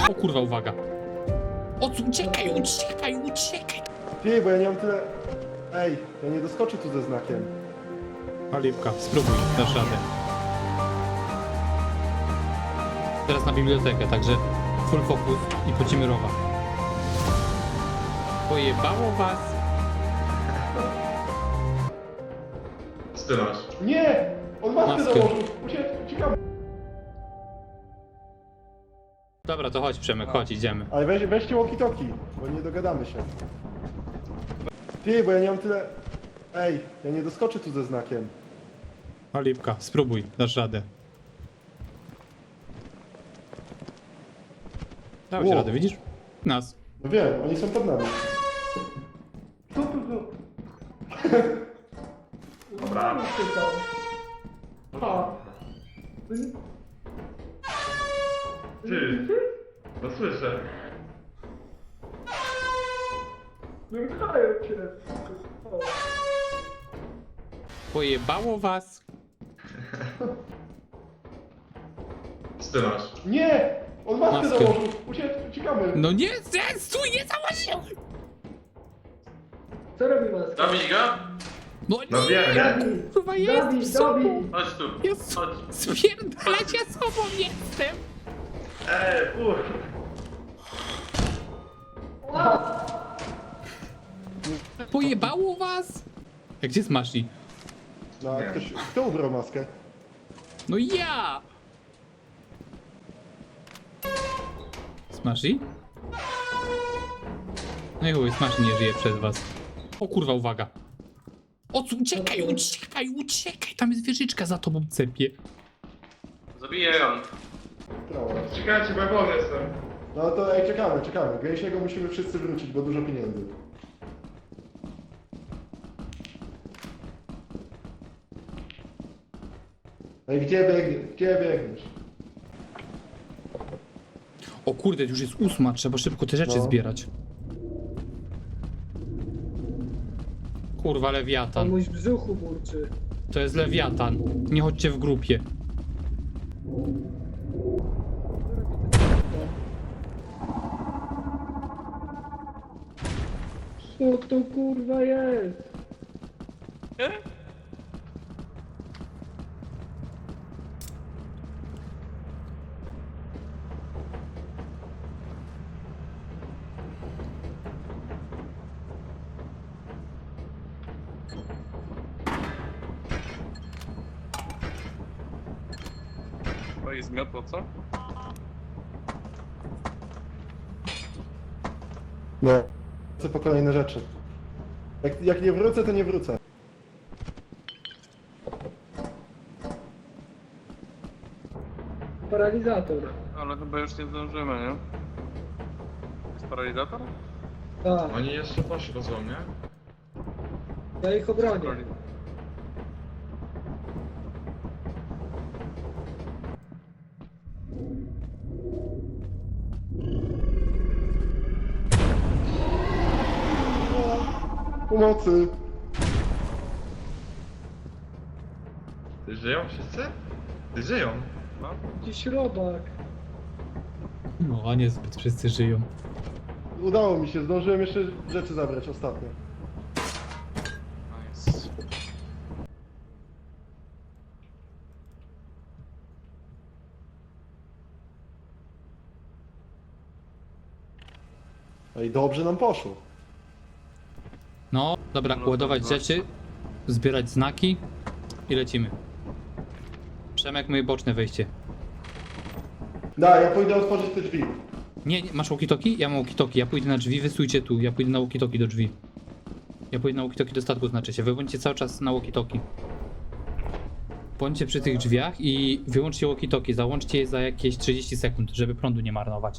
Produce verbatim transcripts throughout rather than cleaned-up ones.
O kurwa, uwaga. O, co, uciekaj, uciekaj, uciekaj. Ty, bo ja nie mam tyle... Ej, ja nie doskoczę tu ze znakiem. Paliwka, spróbuj, dasz radę. Teraz na bibliotekę, także full focus i pocimy rowa. Pojebało was. Co ty masz? Nie! On maskę Maskę. założył! Ucie- Uciekamy! Dobra, to chodź Przemek, chodź, idziemy. Ale weź, weźcie walkie-talkie, bo nie dogadamy się. Ty, bo ja nie mam tyle... Ej, ja nie doskoczę tu ze znakiem. Paliwka, spróbuj, dasz radę. Dałeś Wow. radę, widzisz? Nas. No wiem, oni są pod nami. Tu, tu, tu. Dobra. Ty! No słyszę. Wyruchają cię. Pojebało was. Co ty masz? Nie! On maskę, Maskę. założył! Ucie- Uciekamy! No nie, nie, stój, nie założyłem. Co robi maska? Zabić go? No No nie, wiem, nie? kurwa, jest Dawid, sobą. Dawid. Chodź tu. Jest Chodź. spierdalać, ja sobą jestem. Ej, uch. Pojebało was. Jak gdzie Smashi? No, a Nie. ktoś... Kto ubrał maskę? No ja. Smashi? No i chuj, Smashi nie żyje przez was. O kurwa, uwaga. O, co, uciekaj, uciekaj, uciekaj. Tam jest wieżyczka za tobą cepie. Zabiję ją. Prawo. Czekajcie, bo ja wolny jestem. No to ej, czekamy, czekamy. Gęsiego musimy wszyscy wrócić, bo dużo pieniędzy. Ej, gdzie biegniesz? Gdzie biegniesz? O kurde, już jest ósma, trzeba szybko te rzeczy No. zbierać. Kurwa, lewiatan. Komuś w brzuchu burczy. To jest lewiatan. Nie chodźcie w grupie. Co to kurwa jest? To jest zmiotło, co? No. Chcę po kolejne rzeczy. Jak, jak nie wrócę, to nie wrócę. Paralizator. Ale chyba już nie zdążymy, nie? Jest paralizator? Tak, Oni jeszcze poszli nie? ja ich obronię. Pomocy! Ty żyją wszyscy? Ty żyją. No. Jakiś robak. No, a niezbyt wszyscy żyją. Udało mi się, zdążyłem jeszcze rzeczy zabrać ostatnio. Nice. Ej, dobrze nam poszło. No, dobra, No, ładować to rzeczy, zbierać znaki i lecimy. Przemek, moje boczne wejście. Da, ja pójdę otworzyć te drzwi. Nie, nie masz walkie-talkie? Ja mam walkie-talkie. Ja pójdę na drzwi, wy stójcie tu. Ja pójdę na walkie-talkie do drzwi. Ja pójdę na walkie-talkie do statku, znaczy się. Wy bądźcie cały czas na walkie-talkie. Bądźcie przy tych drzwiach i wyłączcie walkie-talkie. Załączcie je za jakieś trzydzieści sekund, żeby prądu nie marnować.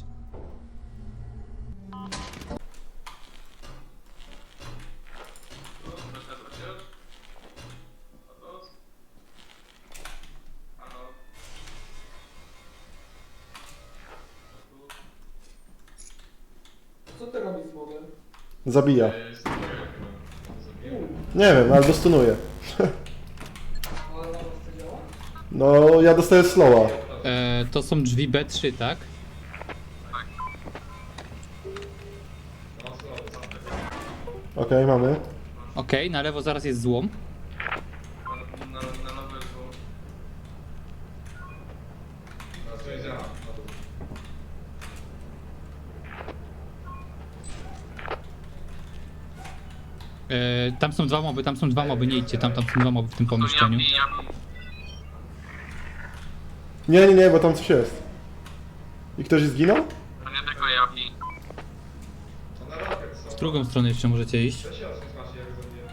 Co ty robisz z mowem? Zabija. Jest to chyba. Nie wiem, albo stunuje. Ale na was to działa? No, ja dostaję slowa. E, to są drzwi B trzy, tak? Okej, mamy. Okej, na lewo zaraz jest złom. Na, na, na nowe zło. Teraz to idzie na dół. E, tam są dwa moby, tam są dwa moby, nie idźcie, tam, tam są dwa moby w tym pomieszczeniu. Nie, nie, nie, bo tam coś jest. I ktoś zginął? To nie tylko Japi. To na rocket są. W drugą stronę jeszcze możecie iść. To się odsuń, macie jak zabiję.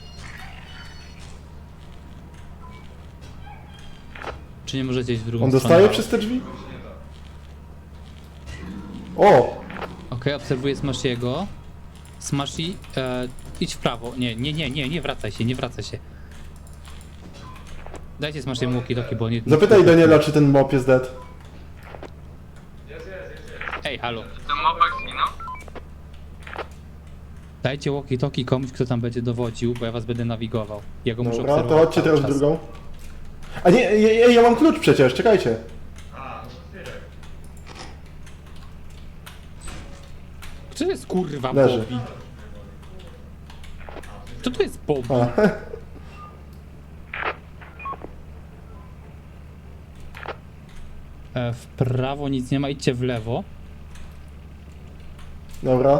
Czy nie możecie iść w drugą On stronę? dostaje przez te drzwi? O! Okej, obserwuję Smashiego. Smashi, e, idź w prawo. Nie, nie, nie, nie, nie wracaj się, nie wracaj się. Dajcie Smashiemu walkie-talkie, bo nie... Zapytaj Daniela, czy ten mop jest dead. Jest, jest, jest, jest. Ej, halo. Ten mobek zginął? Dajcie walkie-talkie komuś, kto tam będzie dowodził, bo ja was będę nawigował. Ja go muszę Dobra, to obserwować chodźcie cały teraz w czas. drugą. A nie, ja, ja, ja mam klucz przecież, czekajcie. A, no to otwieraj. Co to jest kurwa Leży. Bobby? Co to jest Bobby? A. E, w prawo nic nie ma, idźcie w lewo. Dobra.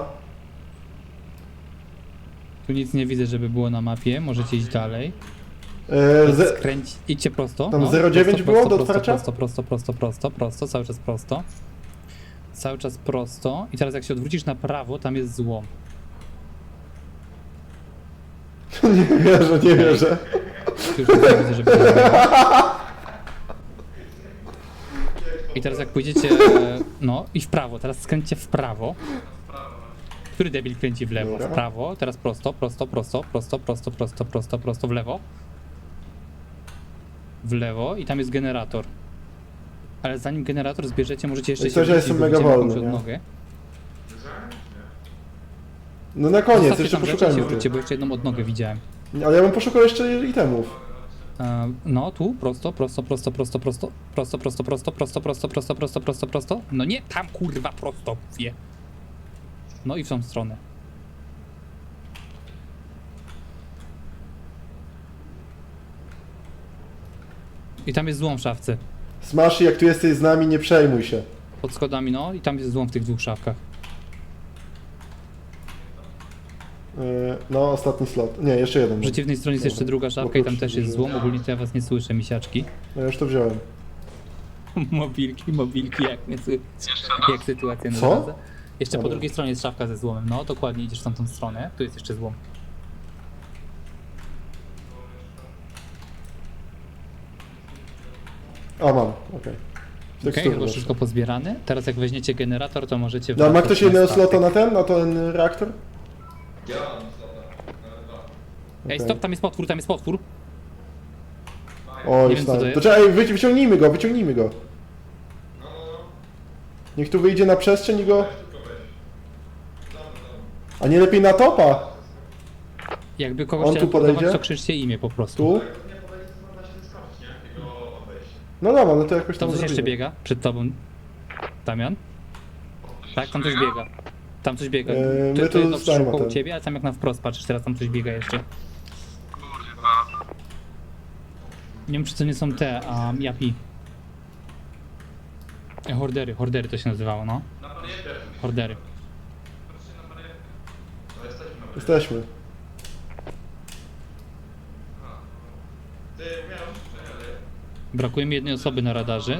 Tu nic nie widzę, żeby było na mapie, możecie iść dalej. E, ze, Skręć, idźcie prosto. Tam no, zero dziewięć prosto, było prosto, do otwarcia? Prosto, prosto, prosto, prosto, prosto, cały czas prosto. Cały czas prosto. I teraz jak się odwrócisz na prawo, tam jest złom. nie wierzę, nie wierzę. Już nic nie widzę, żeby to zrobić. I teraz jak pójdziecie, e, no i w prawo, teraz skręćcie w prawo. Który debil kręci w lewo? Dobra. W prawo, teraz prosto, prosto, prosto, prosto, prosto, prosto, prosto, prosto, w lewo. W lewo i tam jest generator. Ale zanim generator zbierzecie, możecie jeszcze I się coś, ja wrócić, jestem bo mega widzicie jakąś wolny, nie? odnogę. Wiedziałem? Nie. No na koniec, Zostawcie jeszcze tam rzeczy i się poszukajmy wróćcie, tu. bo jeszcze jedną odnogę widziałem. Ale ja bym poszukał jeszcze itemów. E, no tu, prosto, prosto, prosto, prosto, prosto, prosto, prosto, prosto, prosto, prosto, prosto, prosto, prosto, prosto. No nie tam kurwa prosto, wie. No i w tą stronę. I tam jest złom w szafce. Smashy, jak tu jesteś z nami, nie przejmuj się. Pod schodami, no i tam jest złom w tych dwóch szafkach. E, no, ostatni slot. Nie, jeszcze jeden. W przeciwnej stronie jest jeszcze druga szafka i tam też jest złom. Ogólnie to ja was nie słyszę, misiaczki. No ja już to wziąłem. Mobilki, mobilki, jak mnie słychać. Jeszcze raz. Jak sytuacja Co? naradza. Jeszcze po Dobra. drugiej stronie jest szafka ze złomem. No, dokładnie, idziesz w tamtą stronę. Tu jest jeszcze złom. A, mam, okej. Okej, Tekstury chyba jeszcze. wszystko pozbierane. Teraz jak weźmiecie generator, to możecie... No, ma wracać ktoś na jednego statek. slota na ten, na ten reaktor? Ja mam stopę. Nawet dwa. Ej, Okej. stop, tam jest potwór, tam jest potwór. Oj, Nie wiem, co to stary. jest. To czekaj, wyci- wyciągnijmy go, wyciągnijmy go. No, no, no. Niech tu wyjdzie na przestrzeń i go... Weź tylko weź. Tam, tam. A nie lepiej na topa? Jakby kogoś On tu teleportować, podejdzie? to krzyczcie imię po prostu. Tu? Jak nie podejdzie, to da się wyskoczyć, nie? I go obejść. No dobra, no to jakoś Tam tam coś jeszcze zrobimy. biega przed tobą. Damian? Tak, tam coś biega. Tam coś biega. Eee, Ty, my to tu jest stajemy koło ten. ciebie, ale tam jak na wprost patrzysz, teraz tam coś biega jeszcze. Kurwa. Nie wiem, czy to nie są te, a japi. E, Hordery, hordery to się nazywało, no. Na barierę. Hordery. No jesteśmy na barierze. Jesteśmy. Ty, miałem przejęli. Brakuje mi jednej osoby na radarze.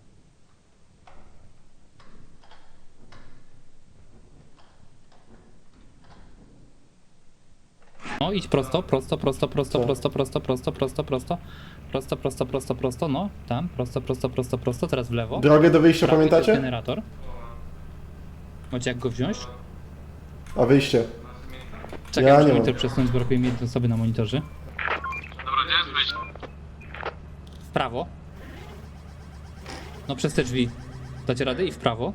No idź prosto, prosto, prosto, prosto, Co? prosto, prosto, prosto, prosto, prosto, prosto, prosto, prosto, prosto, no, tam, prosto, prosto, prosto, prosto, teraz w lewo. Drogę do wyjścia Prawo i to jest pamiętacie? generator. Macie jak go wziąć? A wyjście. Czekaj, Ja muszę nie monitor mam. przesunąć, brakuje mi jednej osoby na monitorze. Dobra, gdzie jest wyjście? W prawo. No przez te drzwi. Dacie radę i w prawo.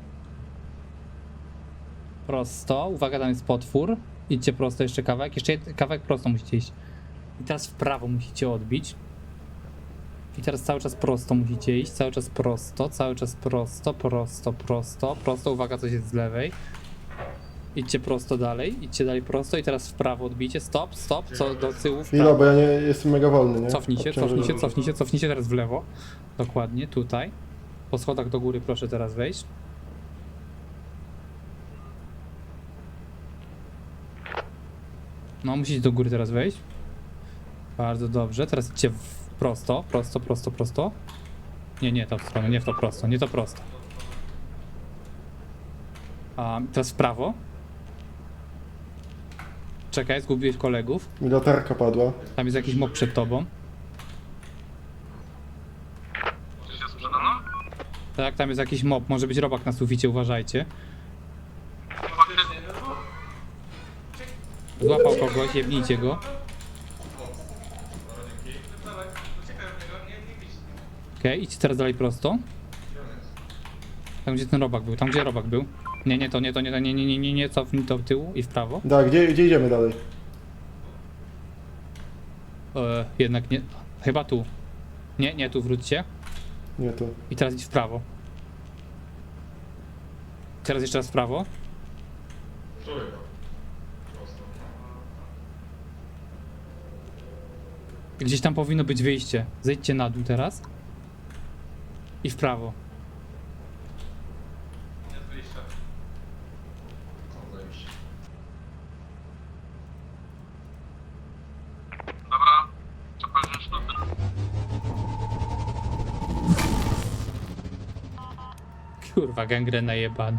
Prosto. Uwaga, tam jest potwór. Idźcie prosto jeszcze kawałek. Jeszcze jed- kawałek prosto musicie iść. I teraz w prawo musicie odbić. I teraz cały czas prosto musicie iść. Cały czas prosto. Cały czas prosto, prosto, prosto, prosto. Uwaga, coś jest z lewej. Idźcie prosto dalej, idźcie dalej prosto i teraz w prawo odbijcie. Stop, stop, co do tyłu w Chwila, prawo. bo ja nie jestem mega wolny, nie? Cofnijcie, Obciążenie. cofnijcie, cofnijcie, cofnijcie teraz w lewo. Dokładnie, tutaj. Po schodach do góry proszę teraz wejść. No, musicie do góry teraz wejść. Bardzo dobrze, teraz idźcie w prosto, prosto, prosto, prosto. Nie, nie, to w stronę, nie w to prosto, nie to prosto. A teraz w prawo. Czekaj, zgubiłeś kolegów. Mi latarka padła. Tam jest jakiś mob przed tobą. Czy się sprzedano? Tak, tam jest jakiś mob, może być robak na suficie, uważajcie. Faktycznie. Złapał kogoś, jebnijcie go. Okej, idźcie teraz dalej prosto. Tam gdzie ten robak był, tam gdzie robak był. Nie, nie to, nie to, nie to, nie, nie, nie, nie, nie, cofnij to w tyłu i w prawo. Da, gdzie, gdzie idziemy dalej? E, jednak nie, chyba tu. Nie, nie, tu wróćcie. Nie, tu. I teraz idź w prawo. Teraz jeszcze raz w prawo. Trójka. Prosto. Gdzieś tam powinno być wyjście. Zejdźcie na dół teraz. I w prawo. Jest wyjście. O, zajebiście. Dobra. Trzeba wziąć sztukę. Kurwa, gangrena jebana.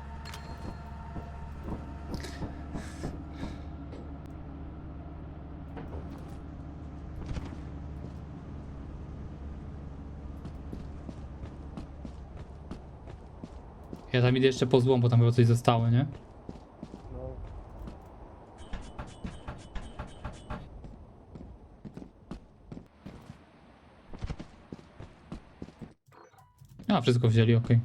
Ja tam idę jeszcze po złom, bo tam chyba coś zostało, nie? A, wszystko wzięli, okej.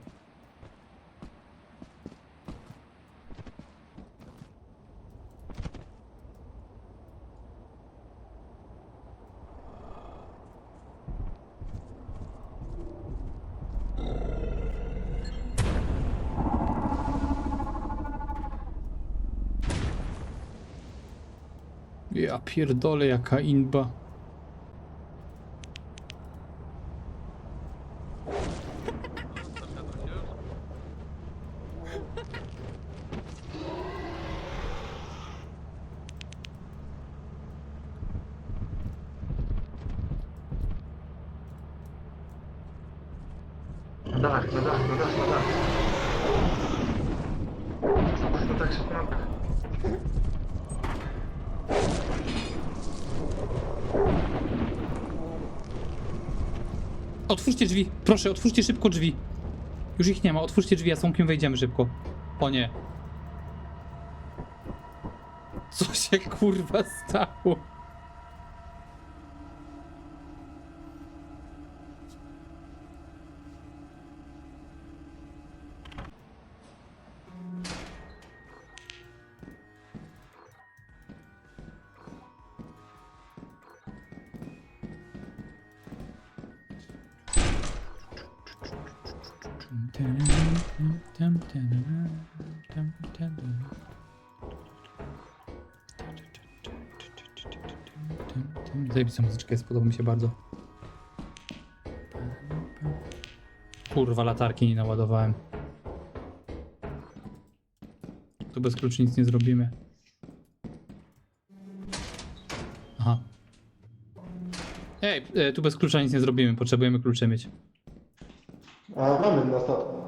Ja pierdolę, jaka inba. Na dach, na dach, na dach, na dach. Na dach się pomagę. Otwórzcie drzwi, proszę, otwórzcie szybko drzwi. Już ich nie ma, otwórzcie drzwi, a z Tomkiem wejdziemy szybko. O nie. Co się kurwa stało? Zajebista muzyczka jest, podoba mi się bardzo. Kurwa, latarki nie naładowałem. Tu bez kluczy nic nie zrobimy. Aha. Ej, e, tu bez klucza nic nie zrobimy, potrzebujemy klucze mieć. A, mamy na statku.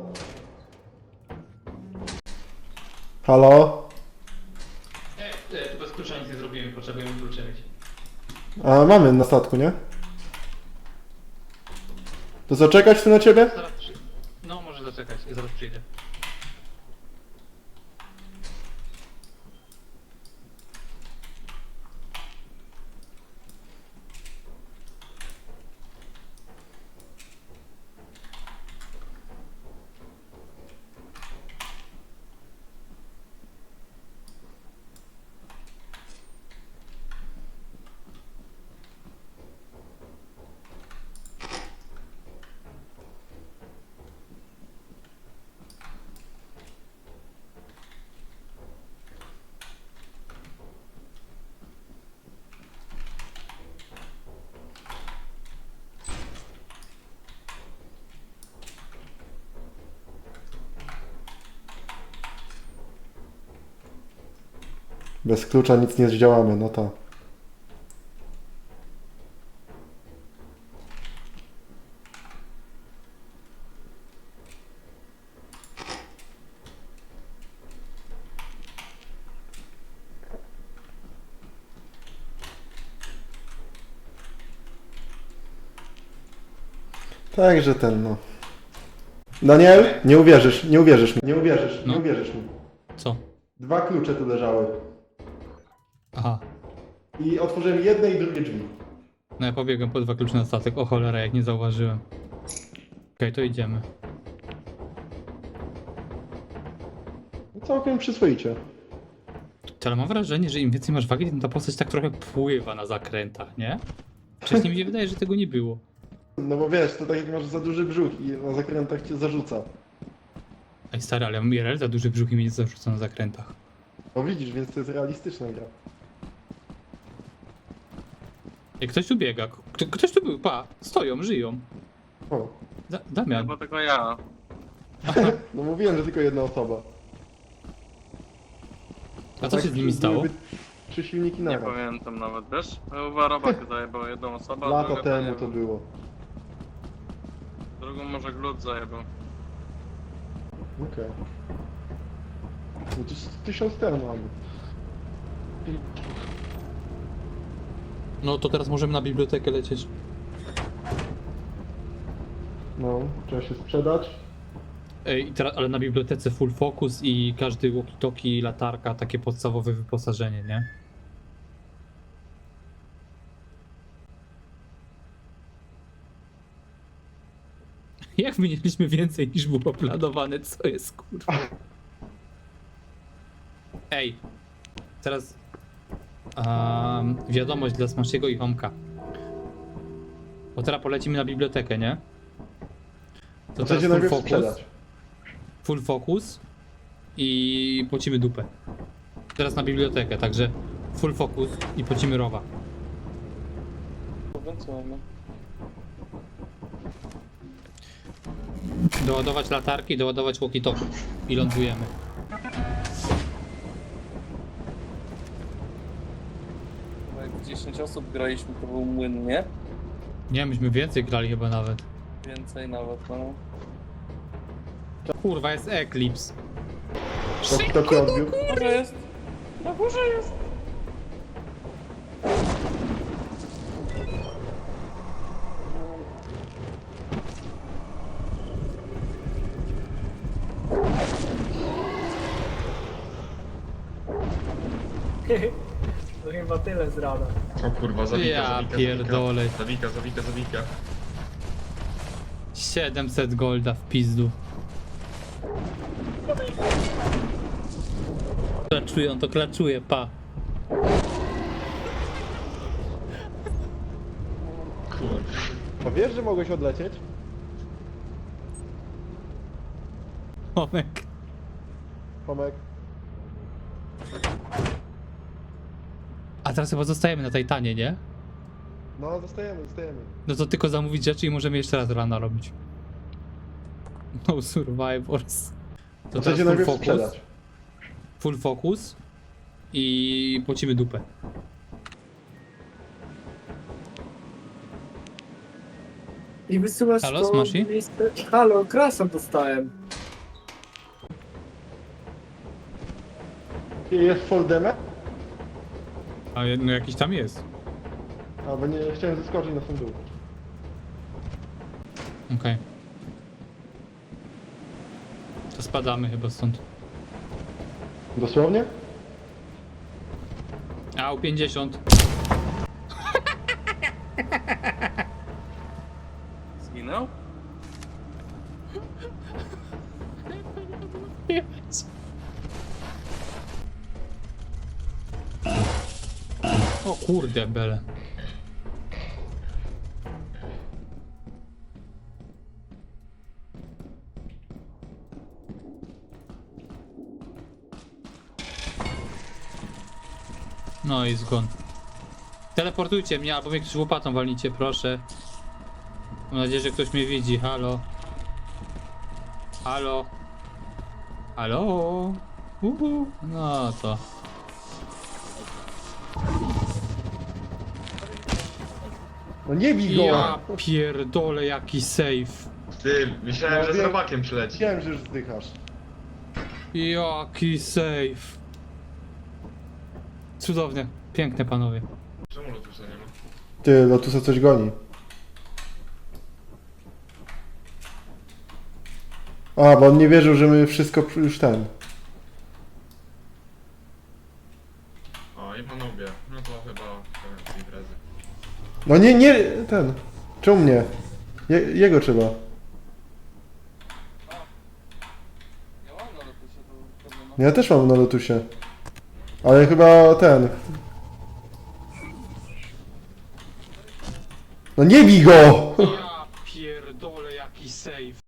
Halo? Ej, e, tu bez klucza nic nie zrobimy, potrzebujemy klucze mieć. A, mamy na statku, nie? To zaczekać tu na ciebie? Zaraz przy... No, może zaczekać, ja zaraz przyjdę. Bez klucza nic nie zdziałamy, no to. Także ten, no. Daniel, nie uwierzysz, nie uwierzysz mi, nie uwierzysz, No. nie uwierzysz mi. Co? Dwa klucze tu leżały. Aha. I otworzyłem jedne i drugie drzwi. No ja pobiegłem po dwa klucze na statek. O cholera, jak nie zauważyłem. Okej, to idziemy. No całkiem przyzwoicie. Ale mam wrażenie, że im więcej masz wagi, tym ta postać tak trochę pływa na zakrętach, nie? Wcześniej mi się wydaje, że tego nie było. No bo wiesz, to tak jak masz za duży brzuch i na zakrętach cię zarzuca. Ej stary, ale ja mam I R L za duży brzuch i mnie nie zarzuca na zakrętach. No widzisz, więc to jest realistyczna gra. Ej, ktoś tu biega. Kto, ktoś tu był, pa. Stoją, żyją. O, Da Damian. Chyba tylko ja. no mówiłem, że tylko jedna osoba. A co się z nimi stało? byłyby Trzy silniki Nie naraz. pamiętam nawet, wiesz? Chyba robak zajebał jedną osobę, a Lata druga temu nie to wiem. było. Drugą może glut zajebał. Okej. No to z tysiąc ten mamy. No to teraz możemy na bibliotekę lecieć. No, trzeba się sprzedać. Ej, i teraz, ale na bibliotece full focus i każdy walkie-talkie, latarka, takie podstawowe wyposażenie, nie? Jak mieliśmy więcej niż było planowane, co jest kurwa? Ej, teraz um, wiadomość dla Smashiego i Homka. Bo teraz polecimy na bibliotekę, nie? To Chcecie teraz full najpierw focus, sprzedać. full focus i pocimy dupę. Teraz na bibliotekę, także full focus i pocimy rowa. Co mamy? Doładować latarki, doładować walkie-talkie i lądujemy. Chyba jak dziesięć osób graliśmy, to był młyn, nie? Nie, myśmy więcej grali chyba nawet. Więcej nawet, no. Kurwa, jest Eclipse. Taki taki odbiór. Na górze jest! Na górze jest! To chyba tyle z rana. O kurwa, zawika, Ja zawika, pierdolę. Zawika, zawika, zawika. siedemset golda w pizdu. Klaczuje, on to klaczuje, pa. Kurwa. A wiesz, że mogłeś odlecieć? Tomek. Tomek. A teraz chyba zostajemy na Titanie, nie? No, zostajemy, zostajemy. No to tylko zamówić rzeczy i możemy jeszcze raz rana robić. No survivors. To teraz Chcecie full najpierw focus. sprzedać. Full focus i pocimy dupę. I wysyłasz Halo, to Smashi? listę... Halo, krasa dostałem. I jest full damage? A no jakiś tam jest. A, bo nie chciałem zeskoczyć na sam dół. Okej. To spadamy chyba stąd. Dosłownie? A, u pięćdziesiąt. Zginął? O kurde, bele. No i zgon. Teleportujcie mnie, albo mnie ktoś łopatą walnicie, proszę. Mam nadzieję, że ktoś mnie widzi. Halo. Halo. Halo. Uhu. No to. No nie bij go! Ja pierdolę, jaki save. Ty, myślałem, No że z wiem. robakiem przyleci. Wiem, że już zdychasz. Jaki save. Cudownie. Piękne, panowie. Czemu lotusa nie ma? Ty, Lotusa coś goni. A, bo on nie wierzył, że my wszystko już ten. O, i panowie. No to chyba koniec imprezy. No nie, nie, ten. Czemu mnie? Je, jego trzeba. Ja mam na lotusie to pewnie. Ja też mam na Lotusie. Ale chyba ten. No nie bij go! Ja pierdolę, jaki save.